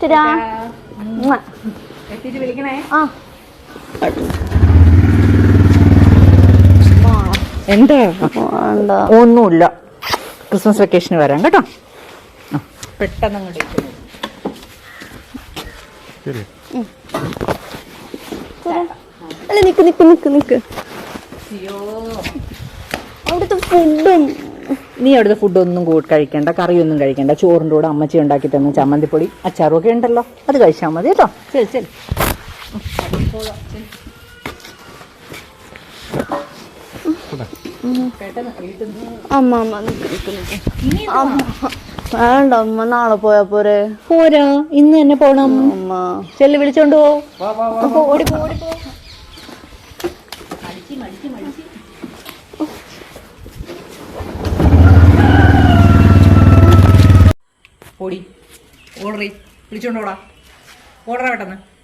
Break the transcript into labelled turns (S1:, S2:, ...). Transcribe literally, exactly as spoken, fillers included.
S1: എത്തിയിട്ട് വിളിക്കണേ.
S2: ആ
S1: എന്താ ഒന്നുമില്ല, ക്രിസ്മസ് വെക്കേഷന് വരാം കേട്ടോ. പെട്ടെന്ന് അങ്ങോട്ട്
S2: അല്ല നിക്ക് നിക്ക് നിക്ക് നിക്ക് അവിടുത്തെ ഫുഡും.
S1: നീ അവിടുത്തെ ഫുഡൊന്നും കഴിക്കണ്ട, കറിയൊന്നും കഴിക്കണ്ട. ചോറിൻ്റെ കൂടെ അമ്മച്ചി ഉണ്ടാക്കി തന്ന ചമ്മന്തിപ്പൊടി അച്ചാറും ഒക്കെ ഉണ്ടല്ലോ, അത് കഴിച്ചാൽ മതി കേട്ടോ. ശരി ശരി.
S2: അമ്മ അമ്മ നിക്ക് നിക്ക് നിക്ക് വേണ്ട അമ്മ, നാളെ പോയാ പോരെ?
S1: പോരാ, ഇന്ന് തന്നെ പോണം.
S2: അമ്മ
S1: ചെല്ലു വിളിച്ചോണ്ട് പോ. ഓടിപ്പോ ഓടിപ്പോ. ഓടി ഓടറി വിളിച്ചോണ്ടോടാ, ഓടറാ പെട്ടെന്ന്.